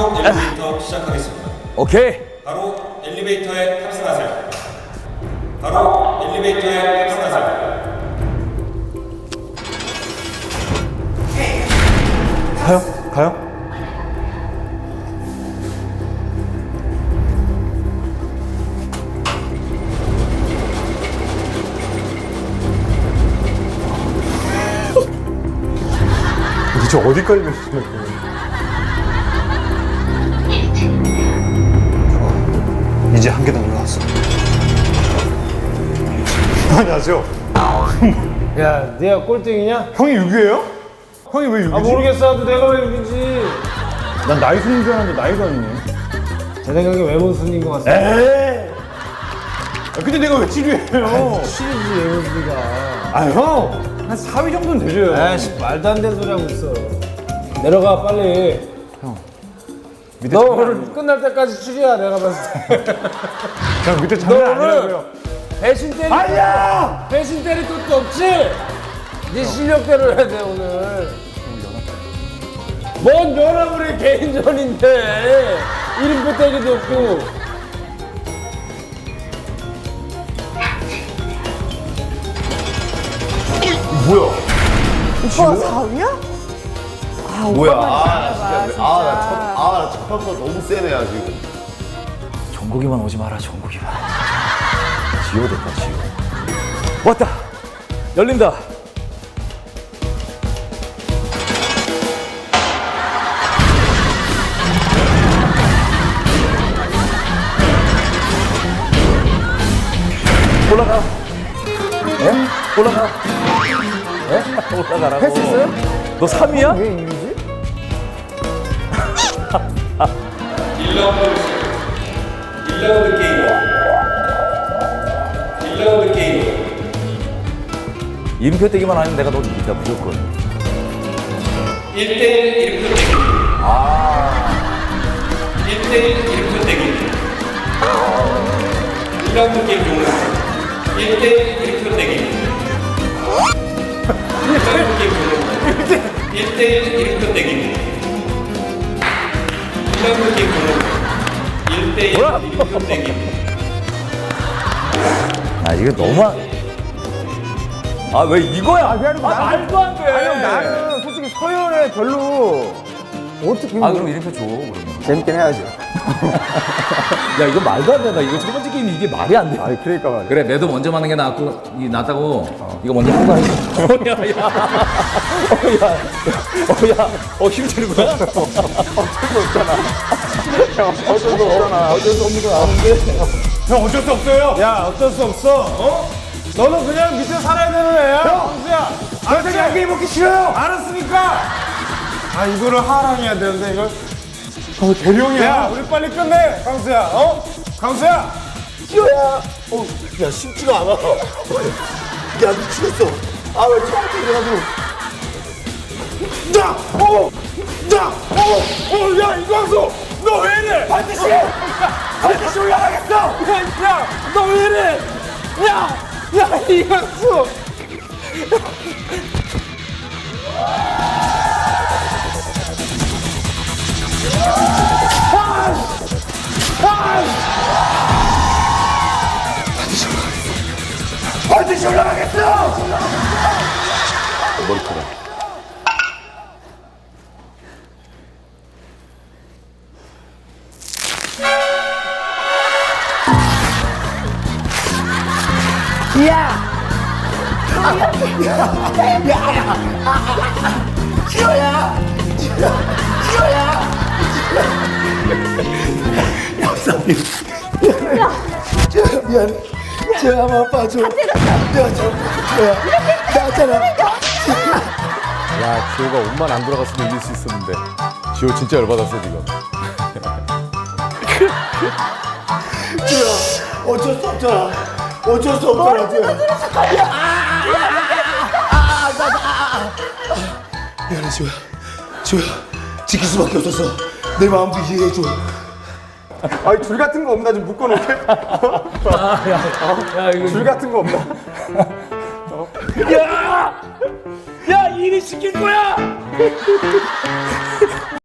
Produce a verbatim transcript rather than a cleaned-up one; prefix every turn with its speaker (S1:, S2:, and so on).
S1: 바로 엘리베이터 시작하겠습니다.
S2: 오케이.
S1: 바로 엘리베이터에 탑승하세요. 바로 엘리베이터에 탑승하세요.
S3: 가요? 가요? 도대체 어디까지 가시는 거예요? 이제 한 계단 올라왔어. 안녕하세요.
S4: 야, 네가 꼴등이냐?
S3: 형이 육이에요? 형이 왜 육이지?
S4: 아 모르겠어. 나도 내가 왜 육이지?
S3: 난 나이 순인 줄 알았는데 나이가 아니네.
S4: 제 생각에 외모 순인 것 같습니다.
S3: 에이! 아, 근데 내가 왜 칠 위예요?
S4: 치리지 외모 순이가.
S3: 아, 형! 한 사 위 정도는 되죠.
S4: 아이씨 말도 안 되는 소리 하고 있어. 내려가 빨리.
S3: 밑에
S4: 너
S3: 장난
S4: 오늘
S3: 아니에요.
S4: 끝날 때까지 추리야 내가 봤을 때.
S3: 형 밑에
S4: 너
S3: 장난
S4: 오늘
S3: 아니라고요.
S4: 배신 때리.
S3: 아니야!
S4: 배신 때릴 것도 없지? 네 실력대로 해야 돼 오늘. 뭔 연합을 해 개인전인데 이름표 때리도 없고.
S3: 뭐야?
S5: 오빠 사 위야? 아,
S6: 뭐야?
S5: 오빠만
S6: 아,
S5: 잘해봐,
S6: 진짜. 아, 나 첫, 아, 나 첫 번째 너무 세네야, 지금.
S2: 전국이만 오지 마라. 전국이만. 지호 됐다. 지호. 왔다. 열린다. 올라가. 에? 올라가. 에? 올라가라고. 할 수 있어요? 너 삼 위야?
S4: 왜 이기지?
S1: 일 라운드 일 라운드 게임. 일 라운드 게임.
S2: 이름표 떼기만 하면 내가 너 이긴다 무조건.
S1: 일 대일 이름표 떼기. 아. 일 대일 이름표 떼기. 일 라운드 게임 종료. 일 대일 이름표 떼기. 일 라운드 게임 종료. 일 대일 이름표 떼기. 일 라운드 게임 종료. 일 대일 이름표 떼기.
S2: 아 이거 너무 아 왜 이거야? 아, 말도 안 돼.
S4: 아니 나는 솔직히 서열에 별로 어떻게
S2: 아 그럼 이름표 줘 그러면.
S4: 재밌긴 해야죠.
S2: 야 이거 말도 안 된다. 이거 첫 번째 게임이 이게 말이 안 돼.
S4: 아니 그러니까 말이야.
S2: 그래 매도 먼저 맞는 게 낫고 이 낫다고. 이거 먼저 하고 가야지. 어야 야. 어야. 어야. 어 힘주는 거야?
S4: 어쩔 수 없잖아.
S2: 어쩔 수 없는 거 아는데.
S3: 형 어쩔 수 없어요.
S4: 야 어쩔 수 없어. 어? 너는 그냥 밑에 살아야 되는 애야. 형수야.
S3: 저한테 양갱이 먹기 싫어요.
S4: 알았으니까. 아 이거를 하랑해야 되는데 이걸.
S3: 어, 대령이야.
S4: 야 우리 빨리 끝내 강수야. 어? 강수야.
S6: 어, 야, 쉽지가 않아. 야, 미치겠어. 아, 왜 처음부터 이래가지고.
S4: 자, 어, 자, 어, 어, 야 이광수, 너 왜 이래? 반드시, 반드시 올라가겠어. 야, 야, 너 왜 이래? 야, 야 이광수. 반드시 올라가겠어.
S6: 머리카락.
S3: 야, 지호가 옷만 안 돌아갔으면 이길 수 있었는데. 지호 진짜 열받았어 지금.
S6: 어쩔 수 없잖아. 어쩔 수 없잖아, 지금. 미안해, 지호야. 지호야, 지킬 수밖에 없었어. 내 마음도 이해해줘.
S3: 아니 줄 같은 거 없나 좀 묶어놓게?
S2: 야 이거
S3: 줄 같은 거 없나?
S2: 야! 야, 일이 시킬 거야!